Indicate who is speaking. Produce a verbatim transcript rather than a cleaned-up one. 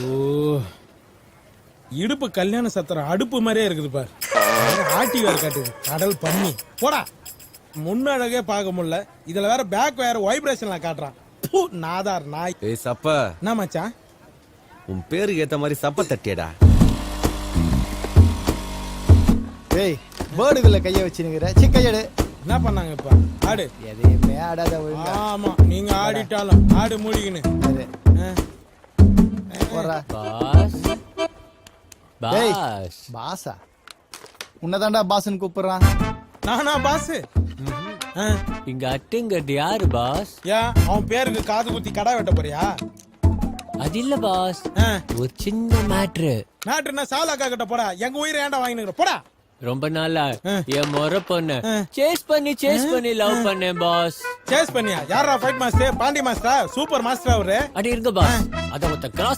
Speaker 1: இடுப்பு கல்யாண சத்திரம் அடுப்பு மாதிரியே இருக்குது பாரு. ஆட்டி வேற காட்டுது கடல் பண்ணி போடா. முன்னழகே பார்க்க முடியல, இதுல வேற பேக் வேற வைப்ரேஷன்ல காட்டுறான். பூ, நாதார் நாய்.
Speaker 2: ஏய் சப்ப,
Speaker 1: என்ன மச்சான்?
Speaker 2: உன் பேருக்கு ஏத்த மாதிரி சப்ப தட்டியடா.
Speaker 3: ஏய் பேர்டுக்குள்ள கைய வச்சுனுங்கிற சிக்கையடு.
Speaker 1: என்ன பண்ணாங்க இப்ப? ஆடு
Speaker 3: எதையுமே ஆடாத ஒழுங்கா.
Speaker 1: ஆமா, நீங்க ஆடிட்டாலும் ஆடு மூடிக்கின்னு.
Speaker 3: அது. போடுறா.
Speaker 4: பாஸ்
Speaker 3: டேய்,
Speaker 4: பாஸ்
Speaker 3: பாஸா? உன்னதாண்டா பாஸ்ன்னு கூப்பிடுறான்.
Speaker 1: நானா பாஸ்?
Speaker 4: இங்க அட்டுங்கிறது யாரு பாஸ்?
Speaker 1: ஏன் அவன் பேருக்கு காது குத்தி கடை வெட்ட போறியா?
Speaker 4: அது இல்ல பாஸ்,
Speaker 1: ஆ.
Speaker 4: ஒரு சின்ன மேட்ரு.
Speaker 1: நாட்டுன்னா சாலாக்கா கிட்ட போடா. எங்க உயிரை ஏன்டா வாங்கினுங்கிற போடா.
Speaker 4: ரொம்ப நாளா
Speaker 1: ஆ.
Speaker 4: என் முறை பொண்ணு
Speaker 1: ஆ.
Speaker 4: சேஸ் பண்ணி சேஸ் பண்ணி லவ் பண்ணேன் பாஸ்.
Speaker 1: சேஸ் பண்ணியா? யாரா ஃபைட் மாஸ்டர்? பாண்டி மாஸ்டரா? சூப்பர் மாஸ்டர் அவரு.
Speaker 4: அடி இருங்க பாஸ், அத ஒருத்த கிராஸ்